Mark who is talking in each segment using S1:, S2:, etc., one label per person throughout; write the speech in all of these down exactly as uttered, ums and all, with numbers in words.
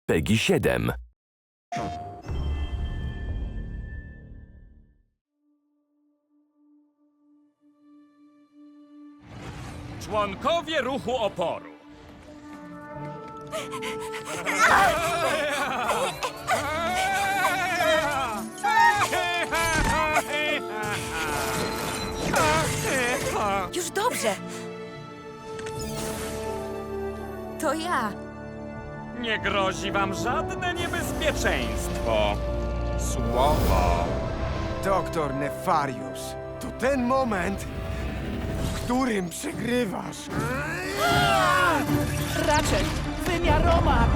S1: PEGI siedem.
S2: Członkowie ruchu oporu.
S3: Już dobrze. To ja.
S2: Nie grozi wam żadne niebezpieczeństwo. Słowo.
S4: Doktor Nefarius, to ten moment, w którym przegrywasz.
S5: Ratchet, wymiaromat!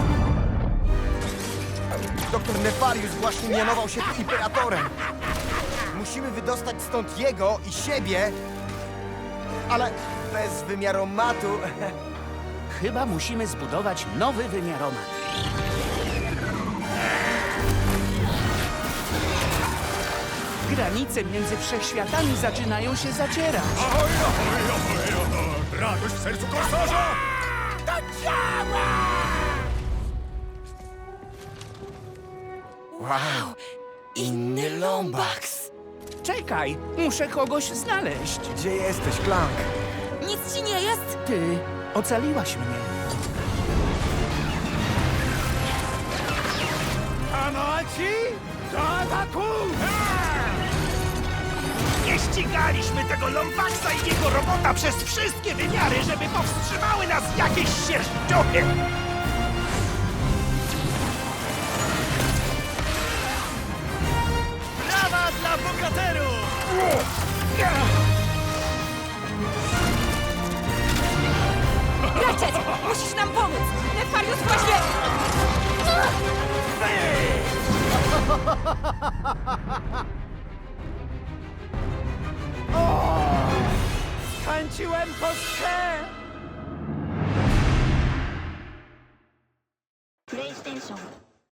S4: Doktor Nefarius właśnie mianował się tu imperatorem. Musimy wydostać stąd jego i siebie, ale bez wymiaromatu.
S5: Chyba musimy zbudować nowy wymiaromat. Granice między wszechświatami zaczynają się zacierać.
S2: Radość w sercu korsarza!
S4: Wow, inny Lombax.
S5: Czekaj, muszę kogoś znaleźć.
S4: Gdzie jesteś, Clank?
S3: Nic ci nie jest?
S5: Ty ocaliłaś mnie.
S2: Amaci, do ataku!
S6: Nie ścigaliśmy tego Lombaxa i jego robota przez wszystkie wymiary, żeby powstrzymały nas jakieś sierściochy! Brawa dla bohaterów!
S3: Ratchet, musisz nam pomóc. Nefarius właśnie...
S6: Tańczyłem kostkę!
S7: PlayStation